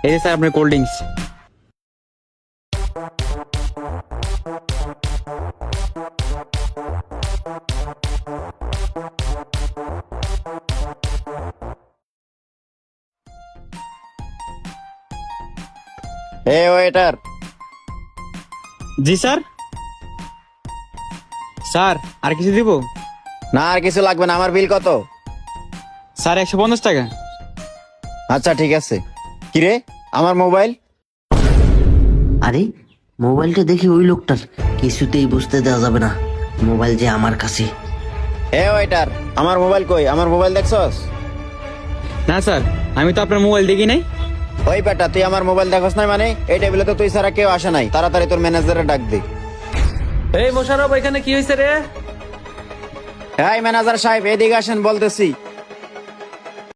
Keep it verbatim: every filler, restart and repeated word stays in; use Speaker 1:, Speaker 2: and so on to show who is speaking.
Speaker 1: এই যে স্যার আপনার কোল্ড ড্রিঙ্কস।
Speaker 2: এ ওয়েটার,
Speaker 1: জি স্যার। স্যার আর কিছু দিব?
Speaker 2: না আর কিছু লাগবে না। আমার বিল কত?
Speaker 1: স্যার একশো পঞ্চাশ টাকা।
Speaker 2: আচ্ছা ঠিক আছে। কিরে, আমার মোবাইল?
Speaker 3: আরে মোবাইলটা দেখি ওই লোকটার, কিছুতেই বুঝতে দেওয়া যাবে না মোবাইল যে আমার কাছে।
Speaker 2: এ ওয়েটার, আমার মোবাইল কই? আমার মোবাইল দেখছস?
Speaker 1: না স্যার, আমি তো আপনার মোবাইল দেখি নাই।
Speaker 2: ওই বেটা, তুই আমার মোবাইল দেখছ নাই মানে? এই টেবিলে তো তুই ছাড়া কেউ আসে নাই। তাড়াতাড়ি তোর ম্যানেজারে ডাক দে।
Speaker 4: এই মোশাররফ, এখানে কি হয়েছে রে?
Speaker 2: এই ম্যানেজার সাহেব, এদিকে আসেন বলতেছি।